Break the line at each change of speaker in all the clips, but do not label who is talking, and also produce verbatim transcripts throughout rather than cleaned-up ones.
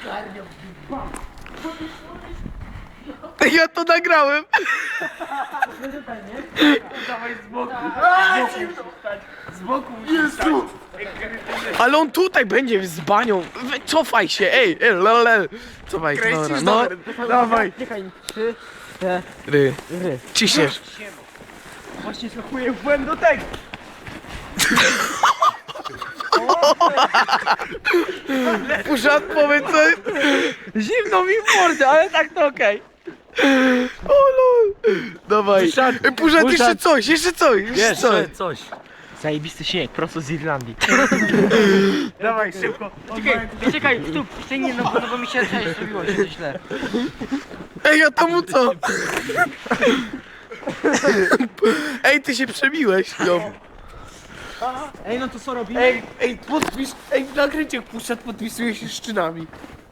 Ja to nagrałem.
Dawaj z boku. Z boku.
Jezu!
Ale on tutaj będzie z banią. We- Cofaj się, ej, ej, lele. Cofaj, dobra, no. Dawaj.
Czekaj, trzy, cztery.
Ry. Ciśniesz.
Właśnie skakuję w błęd do tego.
Puszat, powiedz coś.
Zimno mi w mordę, ale tak to okej.
O lol. Dawaj. Ej, Puszat, jeszcze
Puszat.
coś, jeszcze coś, jeszcze coś.
Jeszcze coś.
Zajebisty śnieg, prosto z Irlandii.
Dawaj, szybko.
Czekaj, czekaj, tu, ty nie, no bo, no bo mi się coś zrobiło, się coś źle.
Ej, a to mu co? Ej, ty się przebiłeś. No.
Ej, no to co robimy?
Ej, ej, podpis, ej, w nagręciach Puszat podpisuje się szczynami.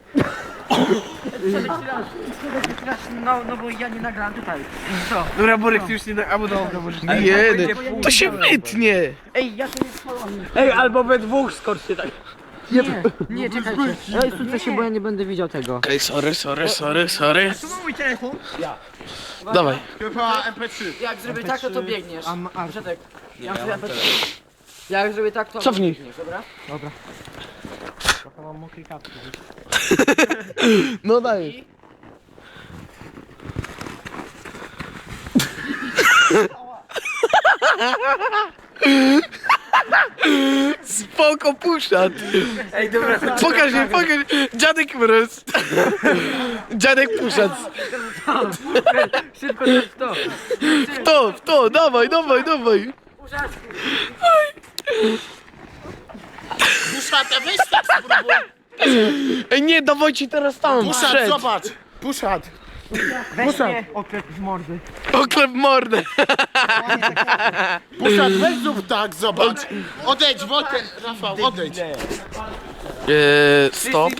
No, no bo ja nie nagram tutaj. Co?
Dobra, Borek, ty już nie na... Albo dobra, może nie. Nie, to się wytnie.
Ej, ja to nie spałam.
Ej, albo we dwóch skoczcie tak.
Nie, nie, czekajcie. Ej, sucę się, bo ja nie będę widział tego.
Okej, sorry, sorry, sorry, sorry.
Tu mam mój telefon.
Dawaj.
Chyba em pe trzy.
Jak zrobię tak, to to biegniesz.
A, a,
Przedek. Jak zrobię tak, jak zrobię tak, to
Cofnij.
biegniesz, dobra?
trochę mam mokry kapki.
No daj. Spoko, Puszat.
Ej, dobra,
Pokaż mi, pokaż. Dziadek mróz. Dziadek Puszat.
Szybko, to jest to.
W to, w to, dawaj, dawaj, dawaj.
Puszat, weź tak spróbuj.
Ej, nie, dawajcie teraz tam,
Puszat,
przed.
zobacz. Puszat.
Weź mnie. Oklep z mordy.
Oklep mordę.
Puszat, weź zrób tak, zobacz. Odejdź, Wojtek, Rafał, odejdź.
Eee, stop.